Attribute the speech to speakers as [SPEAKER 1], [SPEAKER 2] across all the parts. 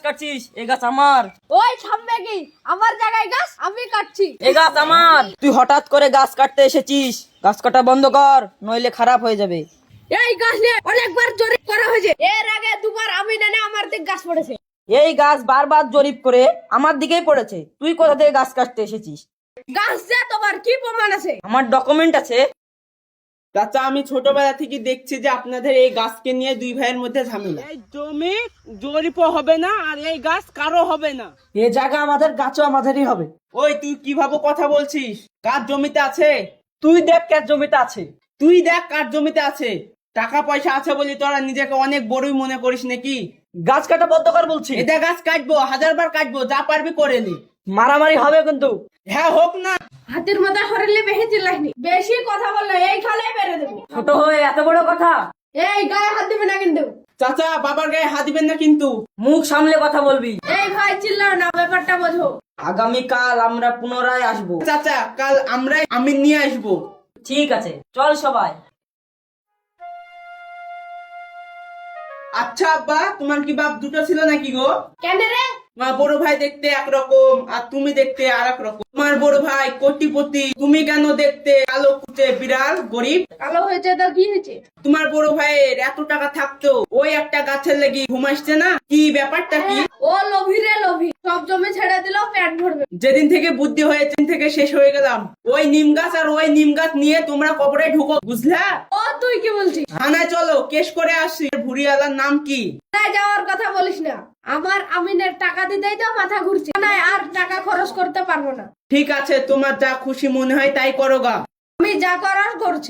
[SPEAKER 1] কাটছিস? এই গাছ আমার।
[SPEAKER 2] ওই থামবে কি? আমার জায়গায় গাছ আমি কাটছি।
[SPEAKER 1] এই গাছ আমার। তুই হঠাৎ করে গাছ কাটতে এসেছিস, গাছ কাটা বন্ধ কর, নইলে খারাপ হয়ে যাবে।
[SPEAKER 2] এই গাছ নিয়ে অনেকবার জরিপ করা হয়েছে, এর আগে দুবার আমি না আমার দিক গাছ পড়েছে।
[SPEAKER 1] এই গাছ বারবার জরিপ করে আমার দিকেই পড়েছে। তুই কোথা থেকে গাছ কাটতে এসেছিস?
[SPEAKER 2] গাছ যে তোমার কি প্রমাণ আছে?
[SPEAKER 1] আমার ডকুমেন্ট আছে।
[SPEAKER 3] চাচা, আমি ছোটবেলা থেকে দেখছি যে আপনাদের এই গাছকে নিয়ে দুই ভাইয়ের মধ্যে ঝামেলা। এই জমি জরিপও হবে না আর এই গাছ কারো হবে না।
[SPEAKER 1] এই জায়গা আমাদের, গাছও আমাদেরই হবে।
[SPEAKER 3] ওই তুই কিভাবে কথা বলছিস? কার জমিতে আছে?
[SPEAKER 1] তুই দেখ কার জমিতে আছে।
[SPEAKER 3] তুই দেখ কার জমিতে আছে। টাকা পয়সা আছে বলি তোরা নিজেকে অনেক বড়ই মনে করিস নাকি?
[SPEAKER 1] গাছ কাটা বন্ধ কর বলছি।
[SPEAKER 3] এটা গাছ কাটবো, 1000 বার কাটবো, যা পারবি করে নি।
[SPEAKER 1] মারামারি হবে কিন্তু।
[SPEAKER 3] হ্যাঁ, হোক না।
[SPEAKER 2] হাতের মাথা হরলে বেশি চিল্লাইনি, বেশি কথা বললে এই খালে বেড়ে দেবো।
[SPEAKER 1] ছোট হয়ে এত বড় কথা।
[SPEAKER 2] এই গায়ে হাত দিবে না কিন্তু।
[SPEAKER 3] চাচা, বাবার গায়ে হাত দিবেন না কিন্তু।
[SPEAKER 1] মুখ সামলে কথা বলবি।
[SPEAKER 2] এই ভাই চিল্লাও না, ব্যাপারটা বোঝো।
[SPEAKER 1] আগামীকাল আমরা পুনরায় আসবো।
[SPEAKER 3] চাচা, কাল আমরাই আমি নিয়ে আসবো।
[SPEAKER 1] ঠিক আছে, চল সবাই।
[SPEAKER 3] আচ্ছা আব্বা, তোমার কি বাপ দুটো ছিল নাকি গো?
[SPEAKER 2] কেন রে?
[SPEAKER 3] তোমার বড় ভাই দেখতে একরকম আর তুমি দেখতে আর এক রকম। তোমার বড় ভাই কোটিপতি, তুমি কেন দেখতে কালো কুচে বিড়াল গরিব?
[SPEAKER 2] কালো হয়েছে তো কি হয়েছে?
[SPEAKER 3] তোমার বড় ভাইয়ের এত টাকা থাকতো ওই একটা গাছের লেগে ঘুমাইছে না? কি ব্যাপারটা কি?
[SPEAKER 2] ও লোভী রে লোভী, সব জমি ছেড়ে দিলেও পেট ভরবে।
[SPEAKER 3] যেদিন থেকে বুদ্ধি হয়েছে থেকে শেষ হয়ে গেলাম। ওই নিম গাছ আর ওই নিম গাছ নিয়ে তোমরা কবরে ঢুকো, বুঝলা?
[SPEAKER 2] ও তুই কি বলছিস?
[SPEAKER 3] থানায় চলো, কেস করে আসছি। ভুরিয়ালার নাম কি?
[SPEAKER 2] থানায় যাওয়ার কথা বলিস না, আমার আমিনের টাকা দিতেই তো মাথা ঘুরছে, থানায় আর টাকা খরচ করতে পারবো না।
[SPEAKER 3] ঠিক আছে, তোমার যা খুশি মনে হয় তাই করো গা।
[SPEAKER 2] আমি যা করার করছি।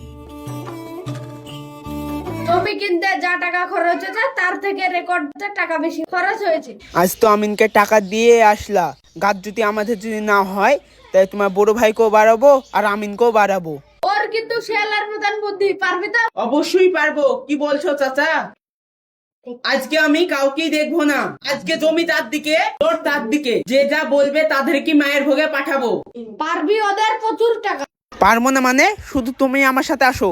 [SPEAKER 2] জমি কিনতে যা টাকা খরচ হয়েছে তার থেকে রেকর্ডে টাকা বেশি খরচ হয়েছে।
[SPEAKER 3] আজ তো আমিনকে টাকা দিয়ে আসলা, গাছ যদি আমাদের যদি না হয় তাই তোমার বড় ভাইকেও বাড়াবো আর আমিনকেও বাড়াবো।
[SPEAKER 2] ওর কিন্তু শেয়ালের মতন বুদ্ধি, পারবি তো?
[SPEAKER 3] অবশ্যই পারবো। কি বলছো চাচা? আজকে আমি কাউকেই দেখবো না। আজকে জমি তার দিকে, তোর তার দিকে। যে যা বলবে তাদেরকে মায়ের ভোগে পাঠাবো।
[SPEAKER 2] পারবি, ওদের প্রচুর টাকা।
[SPEAKER 3] পারবো না মানে? শুধু তুমি আমার সাথে আসো।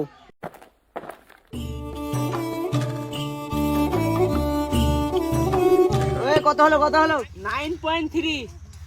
[SPEAKER 1] কত হলো
[SPEAKER 3] 9.3।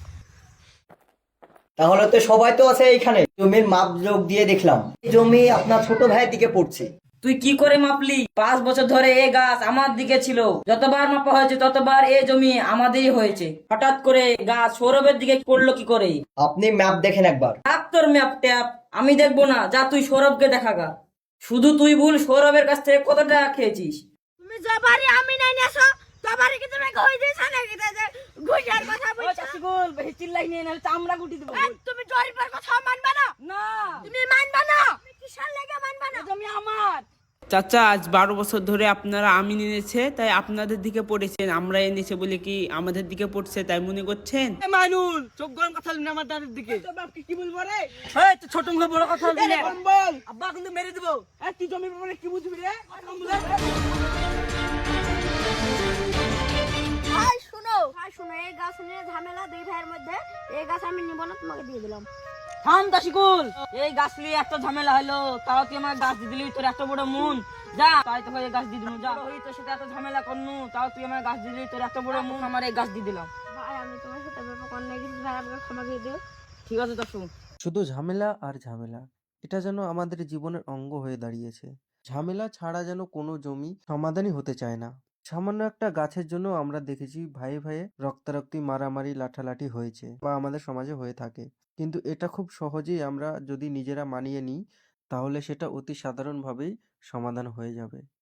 [SPEAKER 4] তাহলে তো সবাই তো আছে এইখানে। জমির মাপ যোগ দিয়ে দেখলাম জমি আপনার ছোট ভাইয়ের দিকে পড়ছে।
[SPEAKER 1] তুই কি করে মাপলি? 5 বছর ধরে এই গাছ আমার দিকে ছিল। যতবার মাপা হয়েছে ততবার এই জমি আমাদেরই হয়েছে। হঠাৎ করে গাছ সৌরভের দিকে পড়লো কি করে?
[SPEAKER 4] আপনি ম্যাপ দেখেন একবার।
[SPEAKER 1] তোর ম্যাপ ট্যাপ আমি দেখবো না, যা তুই সৌরভকে দেখা গা। শুধু তুই ভুল, সৌরভের কাছ থেকে কত টাকা খেয়েছিস?
[SPEAKER 2] তুমি যবারই আমি নাই নেছো, তবারই কি তুমি কই দিছ নাকি যে ঘুষার কথা বলছো?
[SPEAKER 1] বেশি চিল্লাই নিয়ে নালে চামড়া গুটি দেবো।
[SPEAKER 2] তুমি জরিপের কথা মানবা না?
[SPEAKER 1] না,
[SPEAKER 2] তুমি মানবা না? তুমি কিসের লাগা মানবা না?
[SPEAKER 1] জমি আমার।
[SPEAKER 3] চাচা, আজ 12 বছর ধরে আপনারা আমিন এনেছে তাই আপনাদের দিকে পড়েছেন, আমরা এনেছে বলে কি আমাদের দিকে পড়ছে তাই মনে করছেন?
[SPEAKER 1] মানুল চোখ গরম কথা বলবি না আমার দাদির দিকে। তোর বাপকে কি বলবো রে? এই তুই ছোট মুখে বড় কথা বলবি না।
[SPEAKER 3] বল।
[SPEAKER 1] আব্বা কিন্তু মেরে দেবো।
[SPEAKER 3] এই তুই জমির ব্যাপারে কি বুঝবি রে?
[SPEAKER 2] ভাই শুনো, এই গাছ নিয়ে ঝামেলা দুই ভাইয়ের মধ্যে। এই গাছ আমি নিব না, তোমাকে দিয়ে দিলাম।
[SPEAKER 1] থাম দাসিকুল, এই গাছ নিয়ে এত ঝামেলা হলো, তাও তুই আমার গাছ দিয়ে দিলি। তোর এত বড় মন, যা তাই তো এই গাছ দিয়ে দিলাম। যা ওই তোর সাথে এত ঝামেলা করনু, তাও তুই আমার গাছ দিয়ে দিলি। তোর এত বড় মন, আমার এই গাছ দিয়ে দিলাম।
[SPEAKER 2] ভাই আমি তোমার সাথে ব্যাপার করতে গেছি, ভাই আমাকে ক্ষমা করে দিও।
[SPEAKER 1] ঠিক আছে দাসু।
[SPEAKER 5] শুধু ঝামেলা আর ঝামেলা, এটা যেন আমাদের জীবনের অঙ্গ হয়ে দাঁড়িয়েছে। ঝামেলা ছাড়া যেন কোনো জমি সমাধানই হতে চায় না। সামান্য একটা গাছের জন্য আমরা দেখেছি ভাইয়ে ভাইয়ে রক্তারক্তি, মারামারি, লাঠালাঠি হয়েছে বা আমাদের সমাজে হয়ে থাকে। কিন্তু এটা খুব সহজেই আমরা যদি নিজেরা মানিয়ে নিই তাহলে সেটা অতি সাধারণভাবেই সমাধান হয়ে যাবে।